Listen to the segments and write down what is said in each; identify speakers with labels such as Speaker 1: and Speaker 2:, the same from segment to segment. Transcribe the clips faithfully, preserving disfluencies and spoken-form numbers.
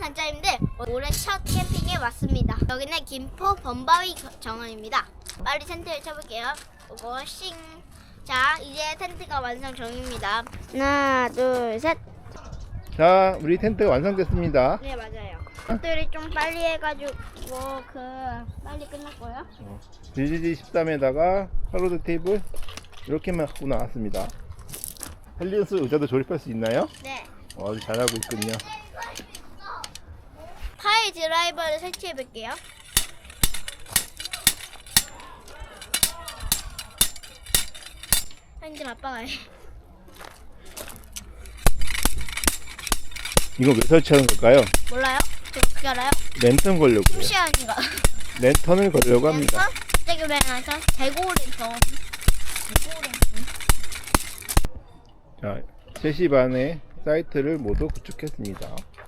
Speaker 1: 한자인데 올해 첫 캠핑에 왔습니다. 여기는 김포 범바위 정원입니다. 빨리 텐트를 쳐볼게요. 오고 싱. 자, 이제 텐트가 완성 중입니다. 하나, 둘, 셋.
Speaker 2: 자, 우리 텐트가 완성됐습니다.
Speaker 1: 네, 맞아요. 텐트를 좀 빨리 해가지고 그 빨리 끝났고요.
Speaker 2: 어, 비지지 십삼에다가 하로드 테이블 이렇게만 갖고 나왔습니다. 헬리언스 의자도 조립할 수 있나요?
Speaker 1: 네.
Speaker 2: 어, 아주 잘하고 있군요.
Speaker 1: 파일 드라이버를 설치해 볼게요. 한지 아빠가 해.
Speaker 2: 이거 왜 설치하는 걸까요?
Speaker 1: 몰라요? 저 어떻게 알아요?
Speaker 2: 랜턴 걸려고요.
Speaker 1: 심시한인가?
Speaker 2: 랜턴을 걸려고 합니다.
Speaker 1: 갑자기 왜 나서 재고 랜턴. 재고 랜턴.
Speaker 2: 자, 세 시 반에 사이트를 모두 구축했습니다.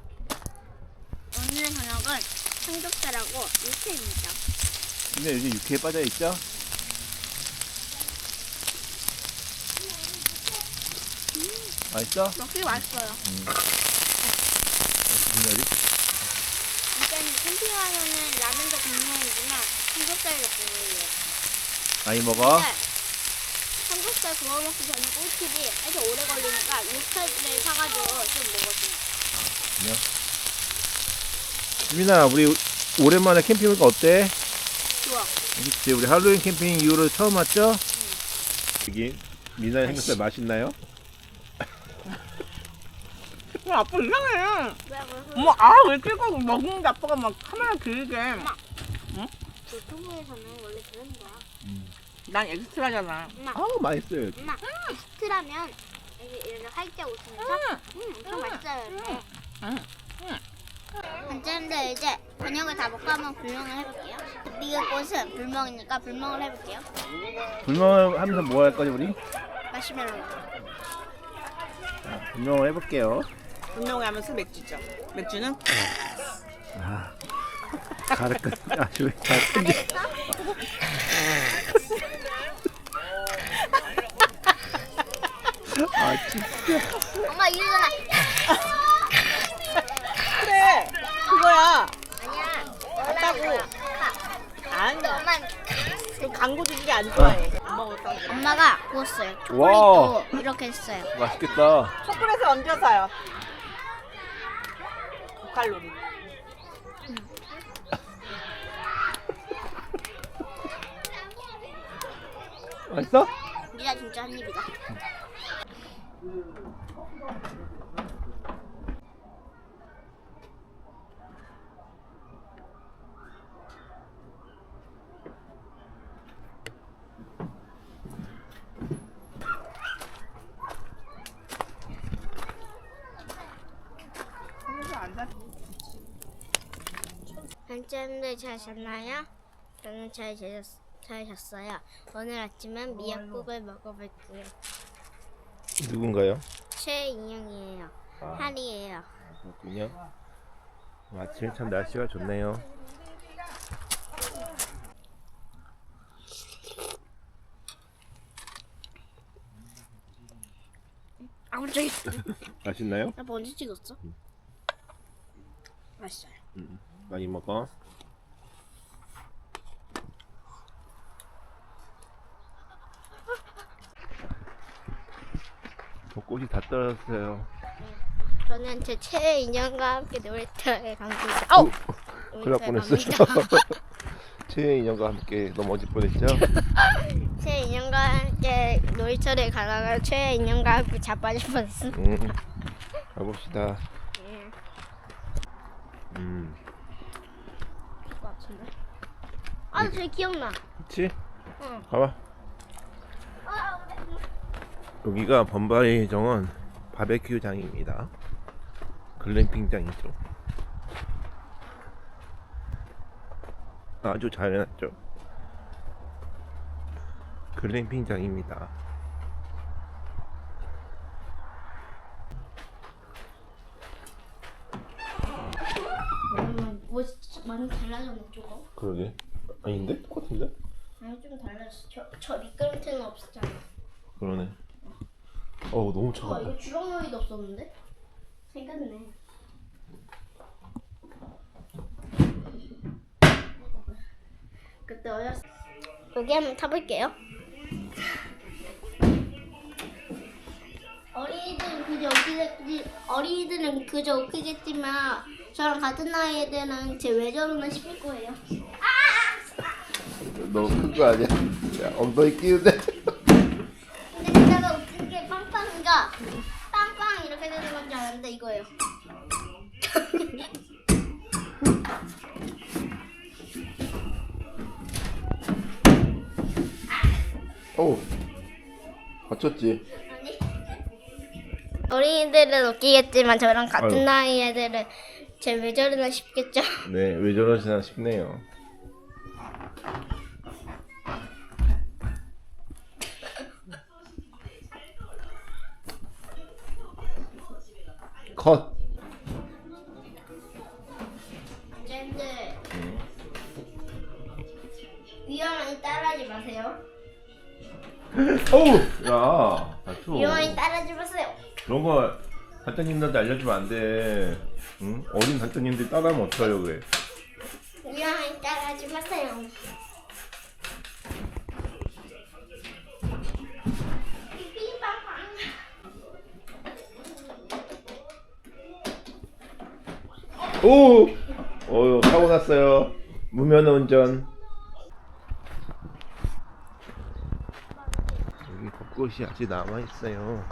Speaker 1: 오늘 저녁은 삼겹살하고 육회입니다.
Speaker 2: 근데 요즘 육회에 빠져있죠? 맛있어?
Speaker 1: 먹기 맛있어요.
Speaker 2: 음. 분열이?
Speaker 1: 일단 캠핑하면은 라면도 국물이지만 삼겹살도 국물이에요.
Speaker 2: 많이 먹어?
Speaker 1: 네. 삼겹살 구워 먹기 전에 꿀팁이 아주 오래 걸리니까 육회를 사가지고 좀 먹었어요.
Speaker 2: 수민아, 우리 오랜만에 캠핑 오니까 어때?
Speaker 1: 좋아.
Speaker 2: 그치, 우리 할로윈 캠핑 이후로 처음 왔죠? 여기 미나의 삼겹살 맛있나요?
Speaker 3: 야, 아빠 이상해.
Speaker 1: 왜 그래서
Speaker 3: 엄마, 아, 왜 찍어? 먹는데 아빠가 막 카메라 길게.
Speaker 1: 유튜브에서는 원래 그런 거야.
Speaker 3: 난 엑스트라잖아.
Speaker 1: 엄마,
Speaker 2: 아우, 맛있어요.
Speaker 1: 엄마, 익스트라면 이렇게 이렇게 활짝 웃으면서 음, 엄청 맛있어요. 이렇게.
Speaker 3: 응.
Speaker 1: 한자인데 이제 저녁을 다 먹고 한번 불멍을 해볼게요. 네가 꽃은 불멍이니까 불멍을 해볼게요.
Speaker 2: 불멍을 하면서 뭐 할 거지, 우리?
Speaker 1: 마시멜로.
Speaker 2: 자, 불멍을 해볼게요.
Speaker 3: 운동을 하면서 맥주죠. 맥주는?
Speaker 2: 아, 가르까, 아, 저, 잘 끈지. 아, 진짜.
Speaker 1: 엄마 이러잖아.
Speaker 3: 그래, 그거야.
Speaker 1: 아니야.
Speaker 3: 맞다고. 아니야.
Speaker 1: 엄마
Speaker 3: 그 광고 주는 게 안 좋아해. 안 먹었다.
Speaker 1: 엄마가 구웠어요.
Speaker 2: 와.
Speaker 1: 초콜릿도 이렇게 했어요.
Speaker 2: 맛있겠다.
Speaker 3: 초콜릿을 얹어서요. 고칼로리.
Speaker 2: 맛있어?
Speaker 1: 니가 진짜 한 입이다. 한참들 잘 잤나요? 저는 잘, 잤, 잘 잤어요. 오늘 아침은 미역국을 먹어볼게요.
Speaker 2: 누군가요?
Speaker 1: 최인영이에요.
Speaker 2: 아.
Speaker 1: 할이에요.
Speaker 2: 그렇군요. 아침에 참 날씨가 좋네요.
Speaker 1: 아, 갑자기.
Speaker 2: 맛있나요?
Speaker 1: 나 먼저 찍었어? 맛있어요.
Speaker 2: 음, 많이 먹어. 벚꽃이 다 떨어졌어요.
Speaker 1: 저는 제 최인영과 함께 놀이터에 갑니다. 아우!
Speaker 2: 큰일 날 뻔했어요. 최애 인형과 함께 넘어질 뻔했죠.
Speaker 1: 최인영과 함께 놀이터에 가다가 최인영과 함께 자빠질 뻔했어.
Speaker 2: 음, 가봅시다.
Speaker 1: 예.
Speaker 2: 음,
Speaker 1: 것 같은데. 아, 저 기억나.
Speaker 2: 그치?
Speaker 1: 응.
Speaker 2: 가봐. 여기가 범바위 정원 바베큐장입니다. 글램핑장이죠. 아주 잘 해놨죠. 글램핑장입니다.
Speaker 1: 음, 뭐 많이 달라졌네 조금.
Speaker 2: 그러게. 아닌데? 똑같은데?
Speaker 1: 아니 좀 달라졌어. 저, 저 미끄럼틀은 없었잖아.
Speaker 2: 그러네. 어우, 너무
Speaker 1: 와
Speaker 2: 차갑다.
Speaker 1: 이거 주렁놀이도 없었는데? 생겼네. 그때 어렸을 여기 한번 타볼게요. 어린이들은 그저 웃기겠지, 어린이들은 그저 웃기겠지만 저랑 같은 나이 애들은 제 왜 저러나 싶을 거예요.
Speaker 2: 너무 큰 거 아니야? 야, 엉덩이 끼는데.
Speaker 1: 근데 그때가 웃긴 게 빵빵이가 빵빵 이렇게 되는 건 줄 알았는데 이거예요.
Speaker 2: 어우, 다쳤지?
Speaker 1: 아니. 어린이들은 웃기겠지만 저랑 같은
Speaker 2: 아유.
Speaker 1: 나이 애들은 제 왜 저러나 싶겠죠.
Speaker 2: 네, 왜 저러시나 싶네요. 컷.
Speaker 1: 쟤들 위험하니 따라하지 마세요.
Speaker 2: 어우, 야, 다쳐.
Speaker 1: 위험하니 따라하지 마세요.
Speaker 2: 그런 거 단장님들한테 알려주면 안 돼. 응? 어린 단장님들이 따라하면 어떡하려고 그래.
Speaker 1: 위험하니 따라하지 마세요. 삐삐빵빵.
Speaker 2: 오! 어휴, 사고 났어요. 무면허 운전. 여기 벚꽃이 아직 남아있어요.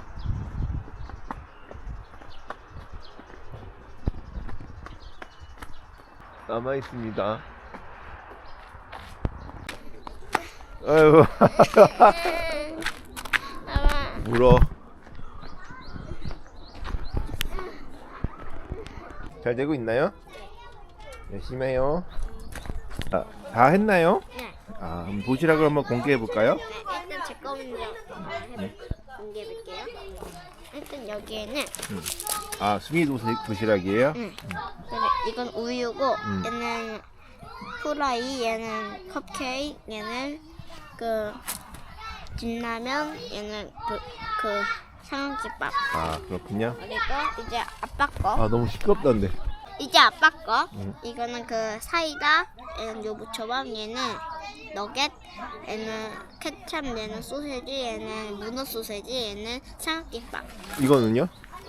Speaker 2: 남아있습니다. 아이고.
Speaker 1: 아마
Speaker 2: 물어. 잘 되고 있나요? 열심히 해요. 아, 다 했나요?
Speaker 1: 네.
Speaker 2: 아, 한번 도시락을 한번 공개해 볼까요?
Speaker 1: 네, 일단 제 거 먼저
Speaker 2: 네.
Speaker 1: 공개해 볼게요. 일단 여기에는
Speaker 2: 아, 수미 도시, 도시락이에요?
Speaker 1: 응. 그래, 이건 우유고
Speaker 2: 음.
Speaker 1: 얘는 후라이, 얘는 컵케이크, 얘는 그 진라면, 얘는 그, 그 삼각김밥.
Speaker 2: 아, 그렇군요.
Speaker 1: 그리고 이제 아빠 거.
Speaker 2: 아, 너무 시끄럽다는데.
Speaker 1: 이제 아빠 거.
Speaker 2: 음.
Speaker 1: 이거는 그 사이다, 얘는 요부초밥, 얘는 너겟, 얘는 케찹, 얘는 소세지, 얘는 문어 소세지, 얘는 삼각김밥.
Speaker 2: 이거는요?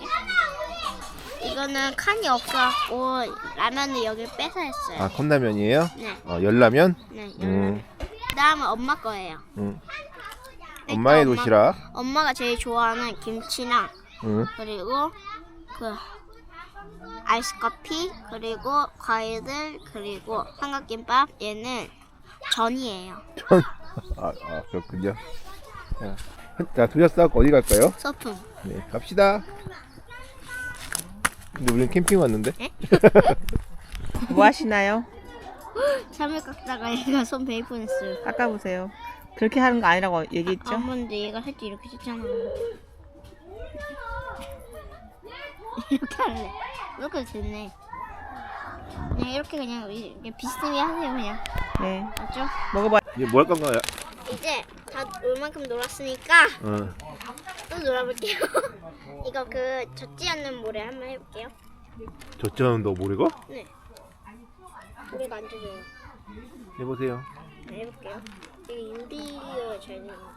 Speaker 1: 이거는 칸이 없어갖고 라면을 여기 빼서 했어요.
Speaker 2: 아, 컵라면이에요?
Speaker 1: 네,
Speaker 2: 어, 열라면?
Speaker 1: 네.
Speaker 2: 음,
Speaker 1: 그다음은 엄마 거예요.
Speaker 2: 음.
Speaker 1: 일단
Speaker 2: 엄마의
Speaker 1: 엄마-
Speaker 2: 도시락.
Speaker 1: 엄마가 제일 좋아하는 김치랑
Speaker 2: 음.
Speaker 1: 그리고 그 아이스 커피 그리고 과일들 그리고 삼각김밥 얘는 전이에요.
Speaker 2: 아, 아, 그렇군요. 자, 자, 도시락 싸고 어디 갈까요?
Speaker 1: 소품.
Speaker 2: 네, 갑시다. 근데 우리는 캠핑 왔는데?
Speaker 3: 뭐 하시나요?
Speaker 1: 참을 깎다가 얘가 손 베이 뻔했어요.
Speaker 3: 깎아보세요. 그렇게 하는 거 아니라고 얘기했죠?
Speaker 1: 아무런데 얘가 살짝 이렇게 했잖아. 이렇게 할래. 이렇게 됐네. 그냥 이렇게 그냥 이렇게 비스듬히 하세요 그냥.
Speaker 3: 네.
Speaker 1: 맞죠?
Speaker 3: 먹어봐.
Speaker 2: 이제 뭐 할 건가요?
Speaker 1: 이제 다 올 만큼 놀았으니까
Speaker 2: 어.
Speaker 1: 또 놀아볼게요. 이거 그 젖지 않는 모래 한번 해볼게요.
Speaker 2: 저쩌는 너 모르고?
Speaker 1: 네. 모래가 안 젖어요.
Speaker 2: 해보세요.
Speaker 1: 네, 해볼게요. 이게 유리가 잘 되는 거.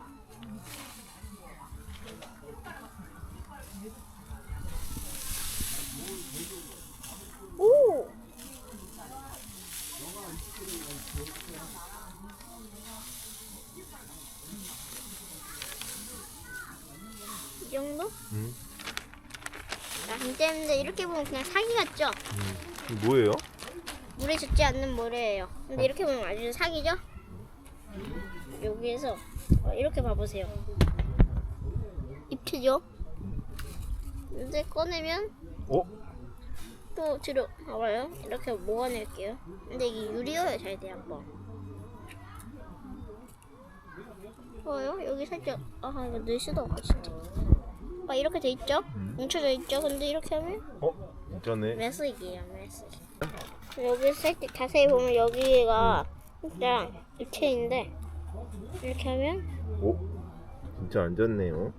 Speaker 1: 오! 이 정도?
Speaker 2: 음.
Speaker 1: 아, 진짜 근데 이렇게 보면 그냥 사기 같죠?
Speaker 2: 이거 뭐예요?
Speaker 1: 물에 젖지 않는 모래예요. 근데 이렇게 보면 아주 사기죠? 여기에서 어, 이렇게 봐보세요. 입체죠? 근데 꺼내면
Speaker 2: 어?
Speaker 1: 또 뒤로 봐봐요. 이렇게 모아낼게요. 근데 이게 유리여야 잘 돼, 한번. 봐요? 여기 살짝 아 이거 넣을 수도 없고 진짜. 아 이렇게 돼 있죠?
Speaker 2: 음.
Speaker 1: 뭉쳐져 있죠? 근데 이렇게 하면
Speaker 2: 어? 진짜네.
Speaker 1: 매스이에요, 매스. 여기 살짝 자세히 보면 여기가 진짜 입체인데 이렇게 하면
Speaker 2: 오? 진짜 안 좋네요.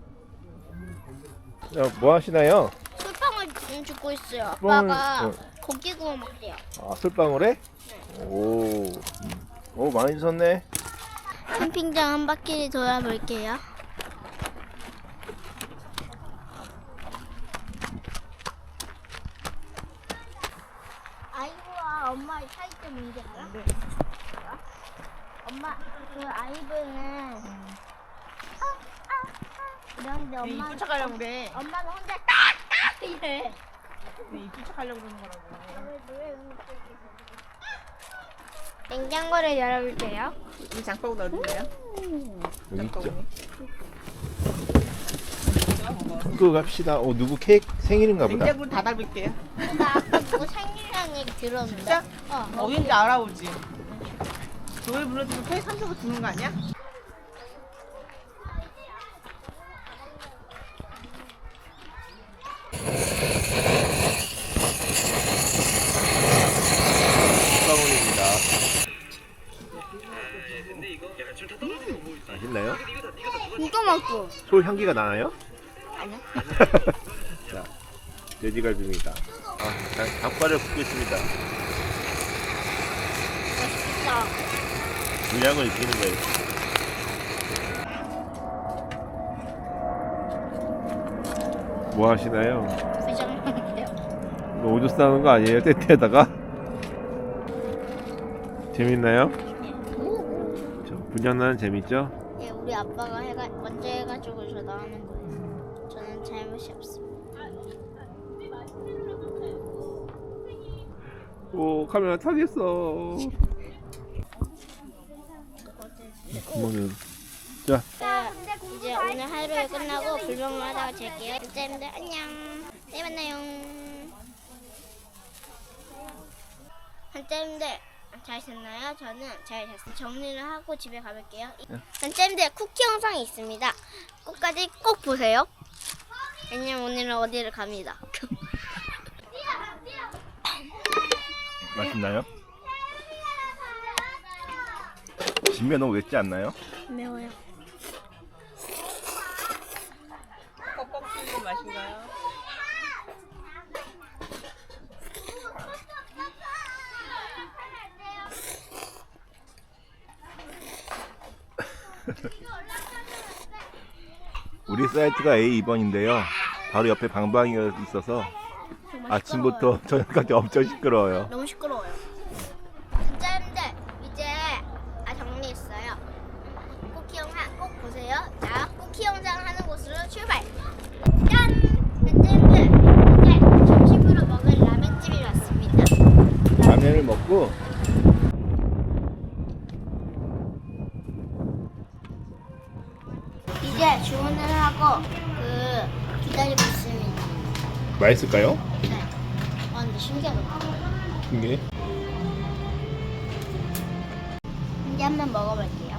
Speaker 2: 야, 뭐 하시나요?
Speaker 1: 솔방울 지금 줍고 있어요.
Speaker 2: 솔방울,
Speaker 1: 아빠가
Speaker 2: 어.
Speaker 1: 고기 구워 먹대요.
Speaker 2: 아, 솔방울에? 오. 음. 오, 많이 주셨네.
Speaker 1: 캠핑장 한 바퀴 돌아볼게요. 아이브와 엄마의 차이점 뭔지 알아?
Speaker 3: 네.
Speaker 1: 엄마, 그 아이브는 이런데 엄마
Speaker 3: 이쁜 척 하려고 그래.
Speaker 1: 엄마는 혼자 딱딱 이래.
Speaker 3: 이쁜 척 하려고 그러는 거라고.
Speaker 1: 냉장고를 열어볼게요.
Speaker 3: 이 장바구 넣어줄래요?
Speaker 2: 여기 있죠. 그 갑시다. 오, 누구 케이크 생일인가 보다.
Speaker 3: 냉장고를 다 닫을게요.
Speaker 1: 나 아까 누구 생일이라는 얘기 들었는데.
Speaker 3: 진짜?
Speaker 1: 어.
Speaker 3: 어딘지 알아보지. 노래 불러주면 케이크 한 조각 주는 거 아니야?
Speaker 2: 빵원입니다. 맛있나요?
Speaker 1: 이거 먹고.
Speaker 2: 솔 향기가 나나요?
Speaker 1: 아니야.
Speaker 2: 자, 돼지갈비입니다. 아, 자, 닭발을 붓겠습니다.
Speaker 1: 맛있다.
Speaker 2: 분량을 익히는 거예요. 뭐 하시나요?
Speaker 1: 부정한데요.
Speaker 2: 오줌 싸는 거 아니에요? 텐트에다가? 재밌나요? 저 분장나는 재밌죠?
Speaker 1: 예, 우리 아빠가 해가 먼저 해가지고 저 나오는 거예요. 저는 잘못이 없습니다.
Speaker 2: 오, 카메라 타겠어. 그러면은 자,
Speaker 1: 네, 이제 오늘 하루가 끝나고 불멍을 하다가 잘게요. 진짜님들 안녕. 내일 만나요. 한짜님들 잘 잤나요? 저는 잘 잤어요. 정리를 하고 집에 가볼게요. 한짜님들 쿠키 영상이 있습니다. 끝까지 꼭 보세요. 왜냐면 오늘은 어디를 갑니다.
Speaker 2: 맛있나요? 진면 너무 맵지 않나요?
Speaker 1: 매워요.
Speaker 3: 뻑뻑 튀는 맛인가요?
Speaker 2: 우리 사이트가 에이 이 번인데요. 바로 옆에 방방이가 있어서 아침부터 저녁까지 엄청 시끄러워요.
Speaker 1: 너무 시끄러워요. 진짜님들 이제 아 정리했어요. 쿠키 영상 꼭 보세요. 자, 쿠키 영상 하는 곳으로 출발. 짠! 진짜님들 이제 점심으로 먹을 라면집이 왔습니다.
Speaker 2: 라면을 먹고
Speaker 1: 이제 주문을 하고 그 기다리고 있습니다.
Speaker 2: 맛있을까요?
Speaker 1: 네. 아 근데 신기하다.
Speaker 2: 이게
Speaker 1: 이제 한번 먹어볼게요.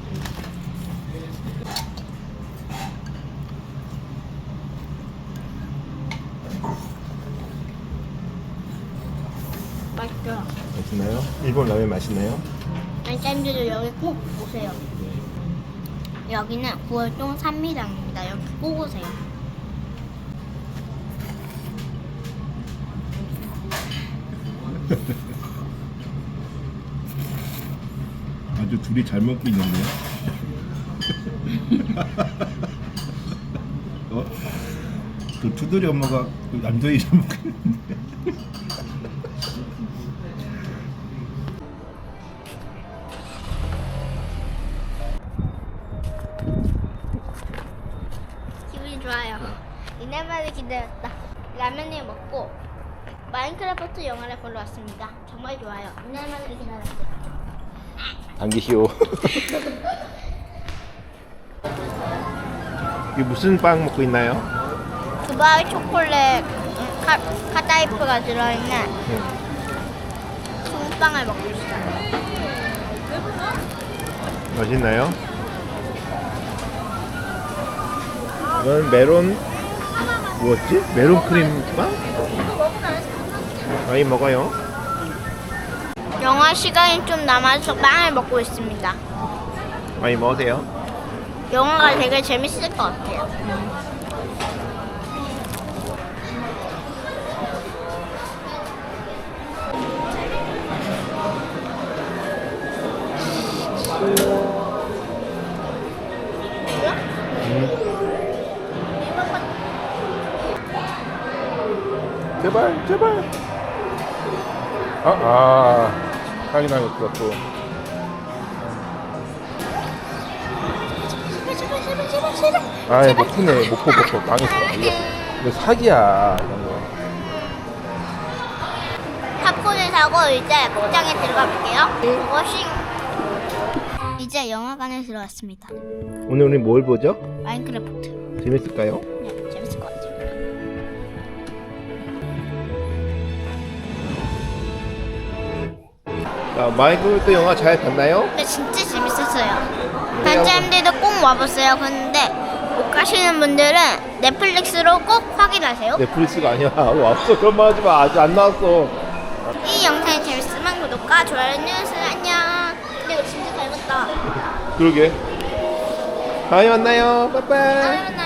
Speaker 1: 맛있죠?
Speaker 2: 맛있나요? 일본 라면 맛있나요?
Speaker 1: 짠짠들도 여기 꼭 오세요. 여기는 구월동 삼미당입니다. 여기 꼭 오세요.
Speaker 2: 아주 둘이 잘 먹고 있는데요. 어? 그 투돌이 엄마가 그 남자이 잘 먹고 있는데.
Speaker 1: 기분이 좋아요. 이날만을 기다렸다. 라면을 먹고 마인크래프트 영화를 보러 왔습니다. 정말 좋아요. 이날만을 기다렸어요.
Speaker 2: 당기시오. 이게 무슨 빵 먹고 있나요?
Speaker 1: 두바이 초콜릿 음, 카, 카다이프가 들어있는 콩빵을 먹고 있어요.
Speaker 2: 맛있나요? 이건 메론 뭐였지? 메론 크림 빵? 많이 먹어요.
Speaker 1: 영화 시간이 좀 남아서 빵을 먹고 있습니다.
Speaker 2: 많이 먹으세요.
Speaker 1: 영화가 되게 재밌을 것 같아요.
Speaker 2: 제발. 아, 아. 확인하겠어, 또.
Speaker 1: 제발 제발 제발 제발 제발.
Speaker 2: 아이, 못 푸네. 못 푸, 못 푸. 망했어. 이거, 이거 사기야. 이런 거.
Speaker 1: 팝콘을 사고 이제 목장에 들어가 볼게요. 워싱. 이제 영화관에 들어왔습니다.
Speaker 2: 오늘 우리 뭘 보죠?
Speaker 1: 마인크래프트.
Speaker 2: 재밌을까요?
Speaker 1: 네, 재밌을 것 같아요.
Speaker 2: 자, 마이크래프트 영화 잘 봤나요?
Speaker 1: 근데 진짜 재밌었어요. 단장님들도 꼭 와보세요. 근데 못 가시는 분들은 넷플릭스로 꼭 확인하세요.
Speaker 2: 넷플릭스가 아니야. 왔어. 그런 말 하지 마. 아직 안 나왔어.
Speaker 1: 이 영상이 재밌으면 구독과 좋아요 눌러주세요. 안녕. 근데 이거 진짜 닮았다.
Speaker 2: 그러게. 다음에 만나요. 빠이빠이.
Speaker 1: 다음에 만나요.